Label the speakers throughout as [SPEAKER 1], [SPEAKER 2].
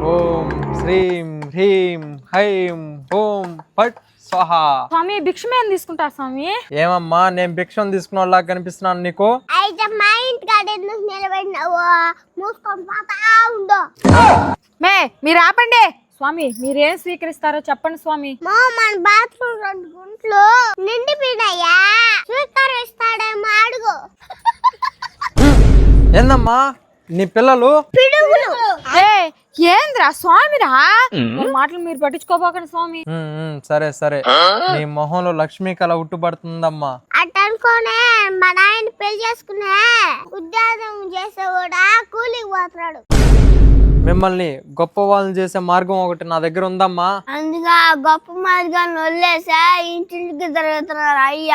[SPEAKER 1] ఓం శ్రీం హ్రీం హైం ఓం పట్ స్వాహా.
[SPEAKER 2] స్వామి భిక్షమేం తీసుకుంటారు స్వామి?
[SPEAKER 1] ఏమమ్మా నేను భిక్షం తీసుకున్న వాళ్ళ కనిపిస్తున్నాను నీకు?
[SPEAKER 3] అయితే మా ఇంటి కాడ ఎందుకు నిలబడినావు? మూసుకొని పోతా ఉండు.
[SPEAKER 2] మే మీరు ఆపండి స్వామి. మీరేం స్వీకరిస్తారో చెప్పండి స్వామి.
[SPEAKER 3] మన బాత్రూమ్ 2 గుంట్లు నిండిపోయినాయా, స్వీకరిస్తాడేమో అడుగు.
[SPEAKER 1] ఏందమ్మా నీ పిల్లలు?
[SPEAKER 3] పిడుగులు.
[SPEAKER 2] ఏంద్రా స్వామిరా మాటలు మీరు పట్టించుకోబోకండి స్వామి.
[SPEAKER 1] సరే సరే, నీ మొహంలో లక్ష్మీ కళ ఉట్టుపడుతుందమ్మా.
[SPEAKER 3] అట్ అనుకోనే మా నాయన పెళ్లి చేసుకునే ఉద్యోగం చేసే కూడా కూలికి పోతున్నాడు.
[SPEAKER 1] మిమ్మల్ని గొప్ప వాళ్ళని చేసే మార్గం ఒకటి నా దగ్గర ఉందమ్మా.
[SPEAKER 3] అందుగా గొప్ప మార్గాన్ని వదిలేసా ఇంటికి తిరుగుతున్నారు అయ్యా.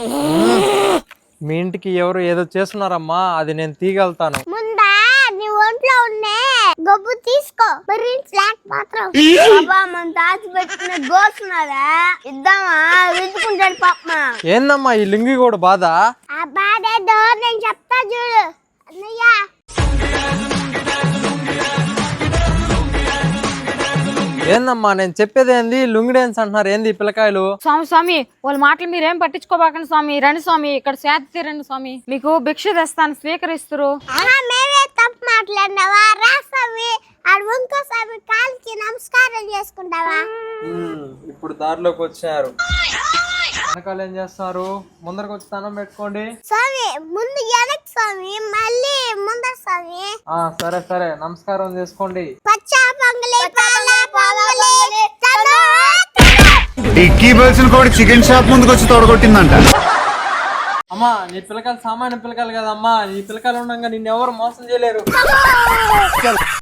[SPEAKER 1] మీ ఇంటికి ఎవరు ఏదో చేస్తున్నారమ్మా, అది నేను తీగలుగుతాను.
[SPEAKER 3] ముందా నీ ఒంట్లో ఉండే గొబ్బు తీసుకో, మరి ఫ్లాట్ మాత్రం బాబా మన తాచి పెట్టిన గోసున్నారా ఇద్దామా, వెతుకుంటాడు పాపమా.
[SPEAKER 1] ఏందమ్మా ఈ లింగి కూడా బాధ?
[SPEAKER 3] ఆ బాధేదో నేను చెప్తా చూడు అన్నయ్య.
[SPEAKER 1] ఏందమ్మా నేను చెప్పేది ఏంది? లుంగి డాన్స్ అంటున్నారు ఏంది ఈ పిల్లకాయలు?
[SPEAKER 2] స్వామి స్వామి వాళ్ళ మాటలు మీరేం పట్టించుకోబాకండి స్వామి. రండి స్వామి, ఇక్కడ శాంతి తీరండి స్వామి. మీకు భిక్ష తెస్తాను, స్వీకరిస్తారు.
[SPEAKER 3] మేమే తప్పు మాట్లాడినావా? రా స్వామి, ఆడు ఇంకో స్వామి కాలికి నమస్కారం చేసుకుంటావా?
[SPEAKER 1] ఇప్పుడు దారిలోకి వచ్చారు, వెనకాల ఏం చేస్తున్నారు? ముందరకు వచ్చి స్థానం పెట్టుకోండి.
[SPEAKER 3] స్వామి ముందు వెనక్కి స్వామి, మళ్ళీ ముందర స్వామి.
[SPEAKER 1] సరే సరే, నమస్కారం చేసుకోండి.
[SPEAKER 3] పచ్చా పొంగలి పాల పొంగలి చలో.
[SPEAKER 4] టిక్కీ బల్సిన కూడా చికెన్ షాప్ ముందుకు వచ్చి తొడగొట్టిందంట.
[SPEAKER 1] అమ్మా నీ పిల్లకాయలు సామాన్య పిల్లకాయలు కదమ్మా, ఈ పిల్లకాయలు ఉండగా నిన్ను ఎవరు మోసం చేయలేరు.